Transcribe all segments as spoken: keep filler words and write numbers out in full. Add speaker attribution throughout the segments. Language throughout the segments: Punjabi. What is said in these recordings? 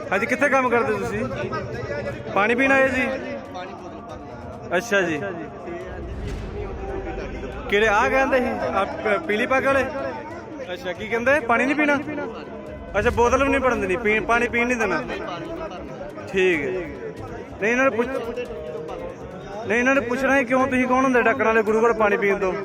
Speaker 1: ਅੱਜ ਕਿੱਥੇ ਕੰਮ ਕਰਦੇ ਤੁਸੀਂ? ਪਾਣੀ ਪੀਣ ਆਏ ਜੀ? ਅੱਛਾ ਜੀ। ਕਿਹੜੇ ਆ ਕਹਿੰਦੇ ਸੀ ਪੀਲੀ ਪੱਗ ਵਾਲੇ? ਅੱਛਾ, ਕੀ ਕਹਿੰਦੇ? ਪਾਣੀ ਨਹੀਂ ਪੀਣਾ? ਅੱਛਾ, ਬੋਤਲ ਵੀ ਨਹੀਂ ਭਰਨ ਦੇਣੀ, ਪੀ ਪਾਣੀ ਪੀਣ ਨਹੀਂ ਦੇਣਾ। ਠੀਕ ਹੈ। ਨਹੀਂ ਇਹਨਾਂ ਨੇ ਪੁੱਛ ਨਹੀਂ ਇਹਨਾਂ ਨੇ ਪੁੱਛਣਾ ਕਿਉਂ ਤੁਸੀਂ ਕੌਣ ਹੁੰਦੇ ਡੱਕਣ ਵਾਲੇ ਗੁਰੂ ਘਰ ਪਾਣੀ ਪੀਣ ਤੋਂ?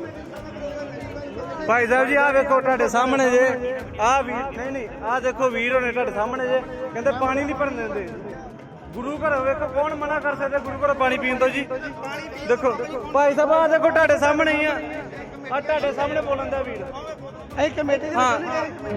Speaker 1: ਭਾਈ ਸਾਹਿਬ ਜੀ ਆਹ ਵੇਖੋ ਤੁਹਾਡੇ ਸਾਹਮਣੇ ਜੇ ਆਹ ਵੀਰ, ਨਹੀਂ ਨਹੀਂ ਆਹ ਦੇਖੋ ਵੀਰ ਹੋਣੇ ਤੁਹਾਡੇ ਸਾਹਮਣੇ ਜੇ, ਕਹਿੰਦੇ ਪਾਣੀ ਨਹੀਂ ਭਰਨ ਦਿੰਦੇ ਗੁਰੂ ਘਰ। ਵੇਖੋ ਕੌਣ ਮਨਾ ਕਰ ਸਕਦਾ ਗੁਰੂ ਘਰ ਪਾਣੀ ਪੀਣ ਤੋਂ ਜੀ? ਦੇਖੋ ਭਾਈ ਸਾਹਿਬ ਆਹ ਦੇਖੋ ਤੁਹਾਡੇ ਸਾਹਮਣੇ ਹੀ ਆ, ਆਹ ਤੁਹਾਡੇ ਸਾਹਮਣੇ ਬੋਲਣ ਦਾ ਵੀਰ ਇਹ ਕਮੇਟੀ ਦੀ। ਹਾਂ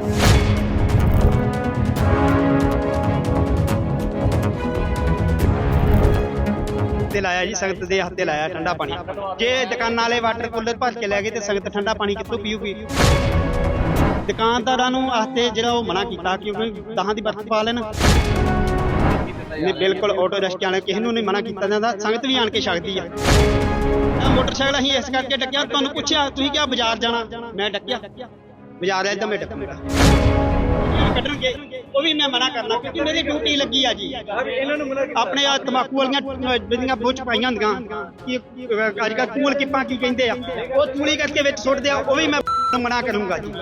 Speaker 2: ਤੇ ਲਾਇਆ ਜੀ, ਸੰਗਤ ਦੇ ਹੱਥੇ ਲਾਇਆ ਠੰਡਾ ਪਾਣੀ। ਜੇ ਦੁਕਾਨਾਂ ਵਾਲੇ ਵਾਟਰ ਕੂਲਰ ਭਰ ਕੇ ਲੈ ਗਏ ਤੇ ਸੰਗਤ ਠੰਡਾ ਪਾਣੀ ਕਿੱਥੋਂ ਪੀਊਗੀ? ਦੁਕਾਨਦਾਰਾਂ ਨੂੰ ਹੱਥੇ ਜਿਹੜਾ ਉਹ ਮਨਾ ਕੀਤਾ ਕਿਉਂਕਿ ਦਹਾਂ ਦੀ ਬਰਫ਼ ਪਾ ਲੈਣ। ਨਹੀਂ ਬਿਲਕੁਲ, ਆਟੋ ਰਿਕਸ਼ਾ ਵਾਲੇ ਕਿਸੇ ਨੂੰ ਨਹੀਂ ਮਨਾ ਕੀਤਾ ਜਾਂਦਾ, ਸੰਗਤ ਵੀ ਆਣ ਕੇ ਛਕਦੀ ਆ। ਮੋਟਰਸਾਈਕਲ ਅਸੀਂ ਇਸ ਕਰਕੇ ਡੱਕਿਆ, ਤੁਹਾਨੂੰ ਪੁੱਛਿਆ ਤੁਸੀਂ ਕਿਹਾ ਬਾਜ਼ਾਰ ਜਾਣਾ, ਮੈਂ ਡੱਕਿਆ ਬਾਜ਼ਾਰ ਆਇਆ ਤਾਂ ਮੈਂ ਡੱਕੂਗਾ ਕੱਢਣਗੇ, ਉਹ ਵੀ ਮੈਂ ਮਨਾ ਕਰਨਾ ਕਿਉਂਕਿ ਮੇਰੀ ਡਿਊਟੀ ਲੱਗੀ ਆ ਜੀ। ਆਪਣੇ ਆ ਤੰਬਾਕੂ ਵਾਲੀਆਂ ਜਿਹੜੀਆਂ ਬੁੱਝ ਪਾਈਆਂ ਹੁੰਦੀਆਂ ਕਿ ਅੱਜ ਕੱਲ੍ਹ ਕੂਲ ਕਿੱਪਾਂ ਕੀ ਕਹਿੰਦੇ ਆ, ਉਹ ਤੂੜੀ ਕਰਕੇ ਵਿੱਚ ਸੁੱਟਦੇ ਆ, ਉਹ ਵੀ ਮੈਂ ਮਨਾ ਕਰੂੰਗਾ ਜੀ।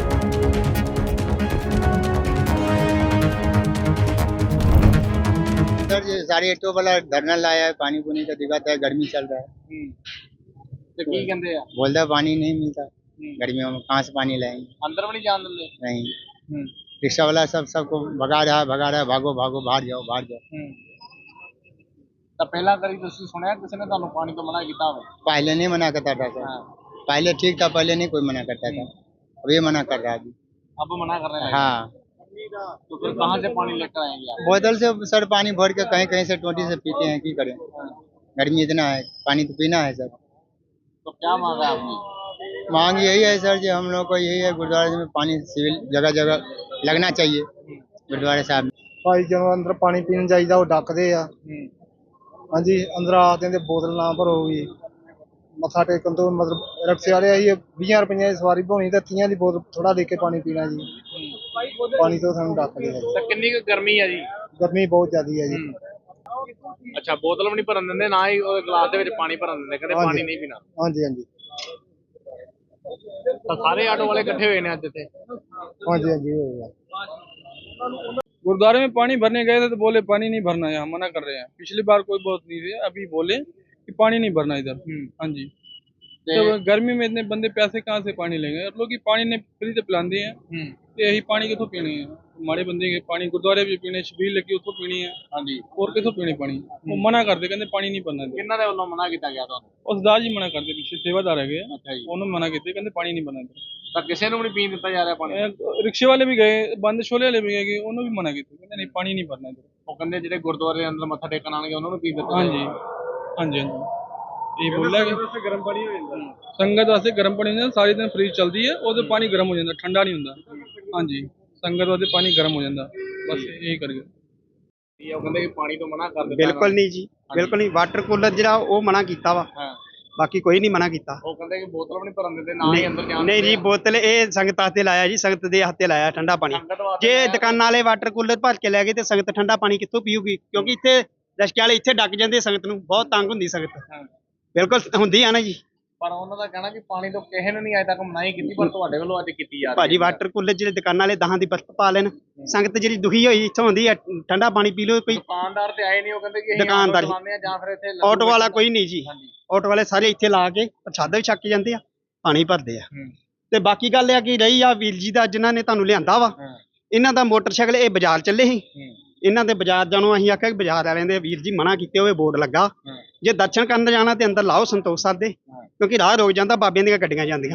Speaker 3: सर ये सारे ऑटो वाला धरना लाया है, पानी पुनी का दिक्कत है, गर्मी चल रहा है
Speaker 4: तो की कहते हैं
Speaker 3: बोलता पानी नहीं मिलता गर्मियों में, कहाँ से पानी लाएंगे?
Speaker 4: अंदर भी नहीं जान दे
Speaker 3: नहीं, रिक्शा वाला सब सबको भगा रहा है भगा रहा है, भागो भागो बाहर जाओ बाहर जाओ।
Speaker 4: तो पहला करी तुसी सुनया किसी ने ਤੁਹਾਨੂੰ ਪਾਣੀ ਤੋਂ ਮਨਾ ਕੀਤਾ ਹੋਵੇ?
Speaker 3: पहले नहीं मना करता था सर, पहले ठीक था, पहले नहीं कोई मना करता था, अब ये मना कर रहा है अभी।
Speaker 4: अब मना कर रहे हैं?
Speaker 3: हाँ,
Speaker 4: तो फिर कहाँ से पानी लेकर आएंगे आप?
Speaker 3: बोतल से सर पानी भर के कहीं कहीं से टोटी से पीते हैं, की करें, गर्मी इतना है, पानी तो पीना है सर।
Speaker 4: तो क्या मांगा है आपने?
Speaker 3: मांग यही है सर जी, हम लोग को यही है गुरुद्वारे में पानी सिविल जगह जगह लगना चाहिए गुरुद्वारे साहब में।
Speaker 5: ਭਾਈ ਜਦੋਂ ਅੰਦਰ ਪਾਣੀ ਪੀਣ ਜਾਈਦਾ ਉਹ ਡੱਕਦੇ ਆ। ਹਾਂਜੀ, ਅੰਦਰ ਆ ਦਿੰਦੇ ਬੋਤਲ ਨਾ ਭਰੋ ਵੀ, ਮੱਥਾ ਟੇਕਣ ਤੋਂ ਮਤਲਬ ਰਿਕਸ਼ੇ ਵਾਲੇ ਆਈ ਵੀਹ ਰੁਪਈਆਂ ਦੀ ਸਵਾਰੀ ਭਾਉਣੀ ਤੇ ਤੀਆਂ ਦੀ ਬੋਤਲ ਥੋੜਾ ਦੇ ਕੇ ਪਾਣੀ ਪੀਣਾ ਜੀ। ਪਾਣੀ ਤੋਂ ਸਾਨੂੰ ਡੱਕਦੇ ਆ।
Speaker 4: ਤਾਂ ਕਿੰਨੀ ਕੁ ਗਰਮੀ ਹੈ ਜੀ?
Speaker 5: ਗਰਮੀ ਬਹੁਤ ਜ਼ਿਆਦੀ ਹੈ ਜੀ।
Speaker 4: ਅੱਛਾ, ਬੋਤਲ ਵੀ ਨਹੀਂ ਭਰਨ ਦਿੰਦੇ, ਨਾ ਹੀ ਉਹ ਗਲਾਸ ਦੇ ਵਿੱਚ ਪਾਣੀ ਭਰਨ ਦਿੰਦੇ, ਕਹਿੰਦੇ ਪਾਣੀ ਨਹੀਂ ਪੀਣਾ।
Speaker 5: ਹਾਂਜੀ ਹਾਂਜੀ
Speaker 4: ਤਾਂ ਸਾਰੇ ਆਟੋ ਵਾਲੇ ਇਕੱਠੇ ਹੋਏ ਨੇ ਅੱਜ ਇੱਥੇ?
Speaker 5: ਹਾਂਜੀ ਹਾਂਜੀ ਹੋਏਗਾ।
Speaker 1: गुरुद्वारे में पानी भरने गए थे तो बोले पानी नहीं भरना है, हम मना कर रहे हैं। पिछली बार कोई बहुत नहीं थे, अभी बोले कि पानी नहीं भरना इधर। हाँ जी, तो गर्मी में इतने बंदे प्यासे कहाँ से पानी लेंगे? लोग पानी ने फ्री से पिलाते हैं, तो यही पानी कितों पीनी है? माड़े बंदे के पानी गुरुद्वारे भी पीने, छबील लगी उतो पीनी है। हाँ जी, और कितों पीनी पानी? वो मना करते, कहते पानी नहीं भरना।
Speaker 4: किन्ना दे वालों मना किया गया ਤੁਹਾਨੂੰ?
Speaker 1: ਉਹ ਸਰਦਾਰ ਜੀ ਮਨਾ ਕਰਦੇ, ਪਿੱਛੇ ਸੇਵਾਦਾਰ ਹੈਗੇ ਆ,
Speaker 4: ਅੱਛਾ ਜੀ,
Speaker 1: ਉਹਨੂੰ ਮਨਾ ਕੀਤੇ, ਕਹਿੰਦੇ ਪਾਣੀ ਨਹੀਂ ਭਰਨਾ।
Speaker 4: ਤਾਂ ਕਿਸੇ ਨੂੰ ਵੀ ਨਹੀਂ ਪੀਣ ਦਿੱਤਾ ਜਾ ਰਿਹਾ ਪਾਣੀ?
Speaker 1: ਰਿਕਸ਼ੇ ਵਾਲੇ ਵੀ ਗਏ, ਬੰਦ ਛੋਲੇ ਵਾਲੇ ਵੀ ਗਏ, ਉਹਨੂੰ ਵੀ ਮਨਾ ਕੀਤਾ, ਕਹਿੰਦੇ ਨਹੀਂ ਪਾਣੀ ਨਹੀਂ ਭਰਨਾ ਇੱਧਰ।
Speaker 4: ਉਹ ਕਹਿੰਦੇ ਜਿਹੜੇ ਗੁਰਦੁਆਰੇ ਦੇ ਅੰਦਰ ਮੱਥਾ ਟੇਕਣ ਆਣਗੇ ਉਹਨਾਂ ਨੂੰ ਪੀਣ ਦਿੱਤਾ?
Speaker 1: ਹਾਂਜੀ ਹਾਂਜੀ ਹਾਂਜੀ, ਇਹ ਬੋਲਿਆ ਕਿ ਗਰਮ ਪਾਣੀ ਹੋ ਜਾਂਦਾ ਸੰਗਤ ਵਾਸਤੇ, ਗਰਮ ਪਾਣੀ ਹੁੰਦਾ, ਸਾਰੀ ਦਿਨ ਫ੍ਰੀਜ ਚੱਲਦੀ ਹੈ, ਉਹਦੇ ਪਾਣੀ ਗਰਮ ਹੋ ਜਾਂਦਾ, ਠੰਡਾ ਨਹੀਂ ਹੁੰਦਾ। ਹਾਂਜੀ, ਸੰਗਤ ਵਾਸਤੇ ਪਾਣੀ ਗਰਮ ਹੋ ਜਾਂਦਾ, ਬਸ ਇਹੀ ਕਰ ਗਏ।
Speaker 4: ਉਹ ਕਹਿੰਦੇ ਕਿ ਪਾਣੀ ਤੋਂ ਮਨਾ ਕਰ ਦਿੱਤਾ?
Speaker 2: ਬਿਲਕੁਲ ਨਹੀਂ ਜੀ, ਬਿਲਕੁਲ ਨਹੀਂ। ਵਾਟਰ ਕੂਲਰ ਜਿਹੜਾ ਉਹ ਮਨਾ ਕੀਤਾ ਵਾ, ਬਾਕੀ ਕੋਈ ਨਹੀਂ ਮਨਾ ਕੀਤਾ।
Speaker 4: ਉਹ ਕਹਿੰਦੇ ਕਿ ਬੋਤਲ ਵੀ ਨਹੀਂ ਭਰਨ ਦਿੰਦੇ, ਨਾ ਹੀ ਅੰਦਰ ਜਾਣ।
Speaker 2: ਨਹੀਂ ਜੀ, ਬੋਤਲ ਇਹ ਸੰਗਤਾਂ ਤੇ ਲਾਇਆ ਜੀ, ਸੰਗਤ ਦੇ ਹੱਥੇ ਲਾਇਆ ਠੰਡਾ ਪਾਣੀ। ਜੇ ਦੁਕਾਨਾਂ ਵਾਲੇ ਵਾਟਰ ਕੂਲਰ ਭਰ ਕੇ ਲੈ ਗਏ ਤੇ ਸੰਗਤ ਠੰਡਾ ਪਾਣੀ ਕਿੱਥੋਂ ਪੀਊਗੀ? ਕਿਉਂਕਿ ਇੱਥੇ ਰਿਕਸ਼ੇ ਵਾਲੇ ਇੱਥੇ ਡੱਕ ਜਾਂਦੇ, ਸੰਗਤ ਨੂੰ ਬਹੁਤ ਤੰਗ ਹੁੰਦੀ ਸੰਗਤ। ਬਿਲਕੁਲ ਹੁੰਦੀ ਆ ਨਾ ਜੀ।
Speaker 4: ਪਰ ਉਹਨਾਂ ਦਾ ਕਹਿਣਾ ਕਿ ਪਾਣੀ ਤੋਂ ਕਿਸੇ ਨੇ ਨਹੀਂ ਅਜੇ ਤੱਕ ਮਨਾਹੀ ਕੀਤੀ, ਪਰ ਤੁਹਾਡੇ ਵੱਲੋਂ ਅੱਜ ਕੀਤੀ ਜਾ ਰਹੀ ਹੈ।
Speaker 2: ਭਾਜੀ ਵਾਟਰ ਕੂਲਰ ਜਿਹੜੇ ਦੁਕਾਨਾਂ ਵਾਲੇ ਦਹਾਂ ਦੀ ਬਰਫ਼ ਪਾ ਲੈਣ, ਸੰਗਤ ਜਿਹੜੀ ਦੁਖੀ ਹੋਈ ਇੱਥੋਂ ਹੁੰਦੀ ਆ, ਠੰਡਾ ਪਾਣੀ ਪੀ ਲਓ। ਕੋਈ
Speaker 4: ਦੁਕਾਨਦਾਰ ਤੇ ਆਏ ਨਹੀਂ, ਉਹ ਕਹਿੰਦੇ ਕਿ
Speaker 2: ਦੁਕਾਨਦਾਰ
Speaker 4: ਚਲਾਉਂਦੇ ਆ ਜਾਂ ਫਿਰ ਇੱਥੇ
Speaker 2: ਆਟੋ ਵਾਲਾ ਕੋਈ ਨਹੀਂ ਜੀ। ਆਟੋ ਵਾਲੇ ਸਾਰੇ ਇੱਥੇ ਲਾ ਕੇ ਪ੍ਰਸ਼ਾਦਾ ਵੀ ਛੱਕ ਕੇ ਜਾਂਦੇ ਆ, ਪਾਣੀ ਭਰਦੇ ਆ। ਤੇ ਬਾਕੀ ਗੱਲ ਇਹ ਕਿ ਰਹੀ ਆ ਵੀਰ ਜੀ ਦਾ ਜਿਨ੍ਹਾਂ ਨੇ ਤੁਹਾਨੂੰ ਲਿਆਂਦਾ ਵਾ, ਇਹਨਾਂ ਦਾ ਮੋਟਰਸਾਈਕਲ ਇਹ ਬਾਜ਼ਾਰ ਚੱਲੇ ਸੀ, ਇਹਨਾਂ ਦੇ ਬਾਜ਼ਾਰ ਜਾਣੋਂ ਅਸੀਂ ਆਖਿਆ ਬਾਜ਼ਾਰ ਵਾਲਿਆਂ ਦੇ ਵੀਰ ਜੀ ਮਨਾ ਕੀਤੇ ਹੋਏ ਬੋਰਡ ਲੱਗਾ, ਜੇ ਦਰਸ਼ਨ ਕਰਨ ਜਾਣਾ ਤੇ ਅੰਦਰ ਲਾਓ ਸੰਤੋਖ ਸਰ ਦੇ, ਕਿਉਂਕਿ ਰਾਹ ਰੋਕ ਜਾਂਦਾ, ਬਾਬਿਆਂ ਦੀਆਂ ਗੱਡੀਆਂ ਜਾਂਦੀਆਂ,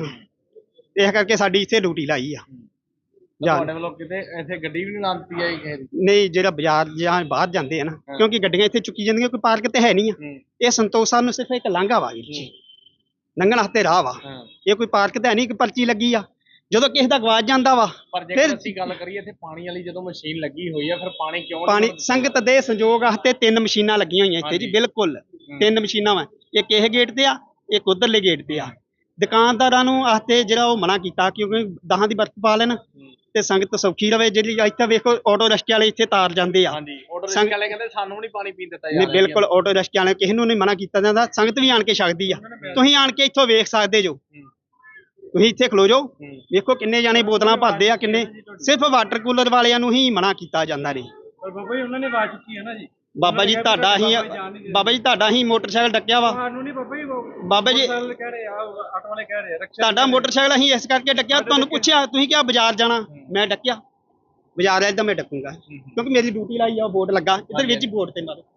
Speaker 2: ਇਸ ਕਰਕੇ ਸਾਡੀ ਇੱਥੇ ਡਿਊਟੀ ਲਾਈ ਆ।
Speaker 4: ਤੁਹਾਡੇ ਵੱਲੋਂ ਕਿਤੇ ਇੱਥੇ ਗੱਡੀ ਵੀ ਨਹੀਂ ਲਾ ਦਿੱਤੀ ਹੈ ਕਿਸੇ ਦੀ?
Speaker 2: ਨਹੀਂ, ਜਿਹੜਾ ਬਾਜ਼ਾਰ ਜਾਂ ਬਾਹਰ ਜਾਂਦੇ ਆ ਨਾ, ਕਿਉਂਕਿ ਗੱਡੀਆਂ ਇੱਥੇ ਚੁੱਕੀ ਜਾਂਦੀਆਂ, ਕੋਈ ਪਾਰਕ ਤੇ ਹੈ ਨਹੀਂ ਆ। ਇਹ ਸੰਤੋਖ ਸਰ ਨੂੰ ਸਿਰਫ ਇੱਕ ਲਾਂਘਾ ਵਾ ਵੀਰ ਜੀ, ਲੰਘਣ ਵਾਸਤੇ ਰਾਹ ਵਾ, ਇਹ ਕੋਈ ਪਾਰਕ ਤੇ ਹੈ ਨਹੀਂ, ਕਿ ਪਰਚੀ ਲੱਗੀ ਆ। ਜਦੋਂ ਕਿਸੇ ਦਾ ਗਵਾਚ ਜਾਂਦਾ ਵਾ,
Speaker 4: ਪਰ ਜੇਕਰ ਅਸੀਂ ਗੱਲ ਕਰੀਏ ਇੱਥੇ ਪਾਣੀ ਵਾਲੀ ਜਦੋਂ ਮਸ਼ੀਨ ਲੱਗੀ ਹੋਈ ਆ, ਫਿਰ ਪਾਣੀ ਕਿਉਂ?
Speaker 2: ਪਾਣੀ ਸੰਗਤ ਦੇ ਸੰਜੋਗ ਵਾਸਤੇ ਤਿੰਨ ਮਸ਼ੀਨਾਂ ਲੱਗੀਆਂ ਹੋਈਆਂ ਇੱਥੇ ਜੀ, ਬਿਲਕੁਲ ਤਿੰਨ ਮਸ਼ੀਨਾਂ ਵਾ, ਇੱਕ ਇਹ ਗੇਟ ਤੇ ਆ, ਇੱਕ ਉਧਰਲੇ ਗੇਟ ਤੇ ਆ। ਦੁਕਾਨਦਾਰਾਂ ਨੂੰ ਵਾਸਤੇ ਜਿਹੜਾ ਉਹ ਮਨਾ ਕੀਤਾ ਕਿਉਂਕਿ ਦਹਾਂ ਦੀ ਬਰਫ਼ ਪਾ ਲੈਣ ਤੇ ਸੰਗਤ ਸੌਖੀ ਰਵੇ। ਜਿਹੜੀ ਇੱਥੇ ਵੇਖੋ ਆਟੋ ਰਿਕਸ਼ੇ ਵਾਲੇ ਇੱਥੇ ਤਾਰ ਜਾਂਦੇ ਆ।
Speaker 4: ਹਾਂਜੀ ਆਟੋ
Speaker 2: ਸੰਗ-
Speaker 4: ਰਿਕਸ਼ਾ ਵਾਲੇ ਕਹਿੰਦੇ ਸਾਨੂੰ ਨਹੀਂ ਪਾਣੀ ਪੀਣ ਦਿੱਤਾ ਜਾ
Speaker 2: ਨਹੀਂ
Speaker 4: ਰਿਹਾ
Speaker 2: ਬਿਲਕੁਲ ਆਟੋ ਰਿਕਸ਼ੇ ਵਾਲੇ ਕਿਸੇ ਨੂੰ ਨਹੀਂ ਮਨਾ ਕੀਤਾ ਜਾਂਦਾ। ਸੰਗਤ ਵੀ ਆਣ ਕੇ ਛਕਦੀ ਆ। ਤੁਸੀਂ ਆਣ ਕੇ ਇੱਥੋਂ ਵੇਖ ਸਕਦੇ ਜੋ। ਤੁਸੀਂ ਇੱਥੇ ਖਲੋ ਜਾਓ, ਵੇਖੋ ਕਿੰਨੇ ਜਾਣੇ ਬੋਤਲਾਂ ਭਰਦੇ ਆ, ਕਿੰਨੇ ਸਿਰਫ ਵਾਟਰ ਕੂਲਰ ਵਾਲਿਆਂ ਨੂੰ ਹੀ ਮਨਾ ਕੀਤਾ ਜਾਂਦਾ ਨੇ।
Speaker 1: पर बाबा जी उन्होंने बात की है ना जी,
Speaker 2: ਬਾਬਾ ਜੀ ਤੁਹਾਡਾ ਹੀ ਬਾਬਾ ਜੀ ਤੁਹਾਡਾ ਹੀ ਮੋਟਰਸਾਈਕਲ ਡੱਕਿਆ ਵਾ।
Speaker 1: ਸਾਨੂੰ ਨਹੀਂ ਬਾਬਾ ਜੀ
Speaker 2: ਬਾਬਾ ਜੀ
Speaker 1: ਕਹਿ ਰਹੇ ਆ, ਆਟੋ ਵਾਲੇ ਕਹਿ ਰਹੇ ਆ ਰਕਸ਼ਾ
Speaker 2: ਤੁਹਾਡਾ ਮੋਟਰਸਾਈਕਲ ਅਸੀਂ ਇਸ ਕਰਕੇ ਡੱਕਿਆ। ਤੁਹਾਨੂੰ ਪੁੱਛਿਆ, ਤੁਸੀਂ ਕਿਹਾ ਬਾਜ਼ਾਰ ਜਾਣਾ, ਮੈਂ ਡੱਕਿਆ। ਬਾਜ਼ਾਰ ਵਾਲੇ ਤਾਂ ਮੈਂ ਡੱਕੂਗਾ ਕਿਉਂਕਿ ਮੇਰੀ ਡਿਊਟੀ ਲਾਈ ਆ, ਬੋਰਡ ਲੱਗਾ ਇੱਧਰ ਵਿੱਚ ਬੋਰਡ ਤੇ ਮਾਰੋ।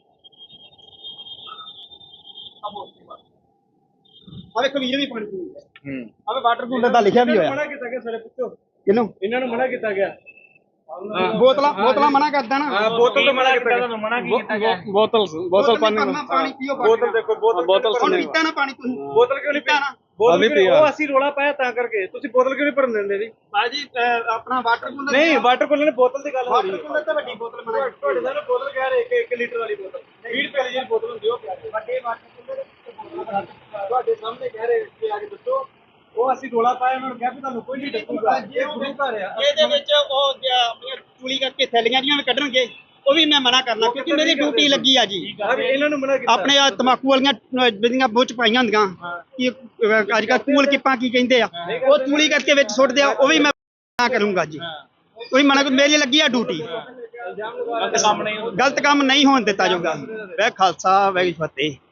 Speaker 2: ਆ ਵੇਖੋ ਵੀਰ ਵੀ ਪਾਣੀ ਪੀਂਦਾ। ਆਵੇ ਵਾਟਰ ਕੂਲਰ ਦਾ ਲਿਖਿਆ ਵੀ ਹੋਇਆ।
Speaker 1: ਮਨਾ ਕੀਤਾ ਗਿਆ ਸਾਰੇ ਪੁੱਛੋ,
Speaker 2: ਕਿਹਨੂੰ?
Speaker 1: ਇਹਨਾਂ ਨੂੰ ਮਨਾ ਕੀਤਾ ਗਿਆ।
Speaker 2: ਬੋਤਲਾਂ ਬੋਤਲਾਂ ਮਨਾ ਕਰਦਾ ਨਾ।
Speaker 1: बोतल तो मना किया गया, मना किया गया। बोतल बोतल पानी
Speaker 2: ਪਾਣੀ ਪੀਓ।
Speaker 1: बोतल देखो बोतल बोतल
Speaker 2: ਹੁਣ ਪੀਤਾ ਨਾ ਪਾਣੀ ਤੁਸੀਂ।
Speaker 1: बोतल क्यों नहीं
Speaker 2: ਪੀਤਾ ਨਾ।
Speaker 1: बोतल क्यों नहीं? ਉਹ ਅਸੀਂ ਰੋਲਾ ਪਾਇਆ ਤਾਂ ਕਰਕੇ ਤੁਸੀਂ ਬੋਤਲ ਕਿਉਂ ਨਹੀਂ ਭਰਨ ਦਿੰਦੇ ਜੀ?
Speaker 2: ਬਾਜੀ ਆਪਣਾ ਵਾਟਰ ਕੂਲਰ
Speaker 1: ਨਹੀਂ ਵਾਟਰ ਕੂਲਰ ਨੇ ਬੋਤਲ ਦੀ ਗੱਲ ਹੋ ਰਹੀ
Speaker 2: ਵਾਟਰ
Speaker 1: ਹੈ।
Speaker 2: ਕੂਲਰ ਤਾਂ ਵੱਡੀ ਬੋਤਲ ਮਨਾ ਕੀਤੀ।
Speaker 1: ਤੁਹਾਡੇ ਨਾਲ ਬੋਤਲ ਕਹਿ ਰਹੇ ਕਿ ਇੱਕ ਲੀਟਰ ਵਾਲੀ ਬੋਤਲ ਵੀਹ ਰੁਪਏ ਦੀ ਜਿਹੜੀ ਬੋਤਲ ਹੁੰਦੀ ਉਹ ਕਹਿ ਰਹੇ
Speaker 2: ਵੱਡੇ ਵਾਟਰ ਕੂਲਰ
Speaker 1: ਤੁਹਾਡੇ ਸਾਹਮਣੇ ਕਹਿ ਰਹੇ ਕਿ ਆ ਕੇ ਦੱਸੋ। ਉਹ ਅਸੀਂ ਰੋਲਾ ਪਾਇਆ, ਉਹਨਾਂ ਨੂੰ ਕਿਹਾ ਵੀ ਤੁਹਾਨੂੰ ਕੋਈ ਨਹੀਂ ਡੱਕੂਗਾ। ਇਹ ਗੁਰੂ ਘਰ ਆ।
Speaker 2: ਇਹਦੇ ਵਿੱਚ ਉਹ ਆਪਣੀਆਂ ਚੂਲੀ ਕਰਕੇ ਥੈਲੀਆਂ ਜੀਆਂ ਵੀ ਕੱਢਣਗੇ, ਉਹ ਵੀ ਮੈਂ ਮਨਾ ਕਰਨਾ ਕਿਉਂਕਿ ਮੇਰੀ ਡਿਊਟੀ ਲੱਗੀ ਆ ਜੀ।
Speaker 1: ਆ ਵੀ ਇਹਨਾਂ ਨੂੰ ਮਨਾ ਕੀਤਾ।
Speaker 2: ਆਪਣੇ ਆ ਤਮਾਕੂ ਵਾਲੀਆਂ ਜਿਹੜੀਆਂ ਬੁੱਝ ਪਾਈਆਂ ਹੁੰਦੀਆਂ ਕਿ ਅੱਜ ਕੱਲ੍ਹ ਕੂਲ ਕਿਪਾਂ ਕੀ ਕਹਿੰਦੇ ਆ, ਉਹ ਚੂਲੀ ਕਰਕੇ ਵਿੱਚ ਸੁੱਟਦੇ ਆ, ਉਹ ਵੀ ਮੈਂ ਮਨਾ ਕਰੂੰਗਾ ਜੀ। ਕੋਈ ਮਨਾ ਮੇਰੀ ਲੱਗੀ ਆ ਡਿਊਟੀ। ਗਲਤ ਕੰਮ ਨਹੀਂ ਗਲਤ ਕੰਮ ਨਹੀਂ ਹੋਣ ਦਿੱਤਾ ਜਾਊਗਾ। ਵੈ ਖਾਲਸਾ ਵੈ ਫਤਿਹ।